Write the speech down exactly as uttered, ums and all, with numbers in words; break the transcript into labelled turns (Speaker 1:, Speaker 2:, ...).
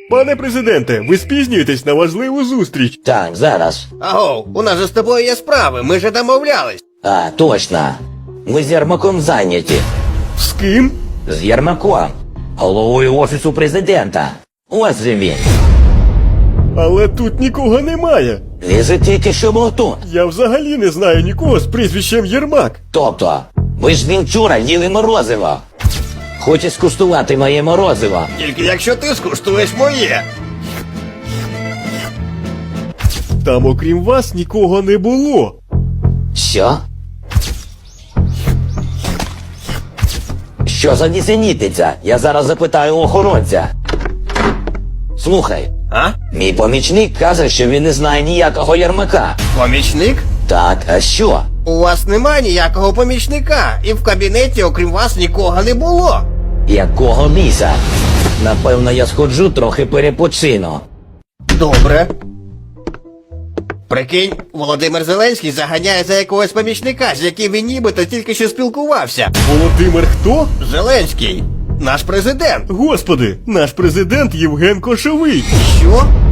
Speaker 1: Пане президенте, ви спізнюєтесь на важливу зустріч.
Speaker 2: Так, зараз.
Speaker 3: Агов, у нас же з тобою є справи, ми же домовлялись.
Speaker 2: А, точно. Ми з Єрмаком зайняті.
Speaker 1: З ким?
Speaker 2: З Єрмаком. Головою Офісу Президента. Ось же він.
Speaker 1: Але тут нікого немає.
Speaker 2: Він же тільки що був тут.
Speaker 1: Я взагалі не знаю нікого з прізвищем Єрмак.
Speaker 2: Тобто, ви ж він вчора їли морозиво. Хочеш скуштувати моє морозиво?
Speaker 3: Тільки якщо ти скуштуєш моє.
Speaker 1: Там окрім вас нікого не було.
Speaker 2: Що? Що за нісенітниця? Я зараз запитаю у охоронця. Слухай,
Speaker 3: А?
Speaker 2: мій помічник каже, що він не знає ніякого Єрмака.
Speaker 3: Помічник?
Speaker 2: Так, а що?
Speaker 3: У вас немає ніякого помічника, і в кабінеті окрім вас нікого не було.
Speaker 2: Якого ліса? Напевно, я сходжу трохи перепочину.
Speaker 3: Добре. Прикинь, Володимир Зеленський заганяє за якогось помічника, з яким він нібито тільки що спілкувався.
Speaker 1: Володимир хто?
Speaker 3: Зеленський. Наш президент.
Speaker 1: Господи, наш президент Євген Кошовий.
Speaker 3: Що?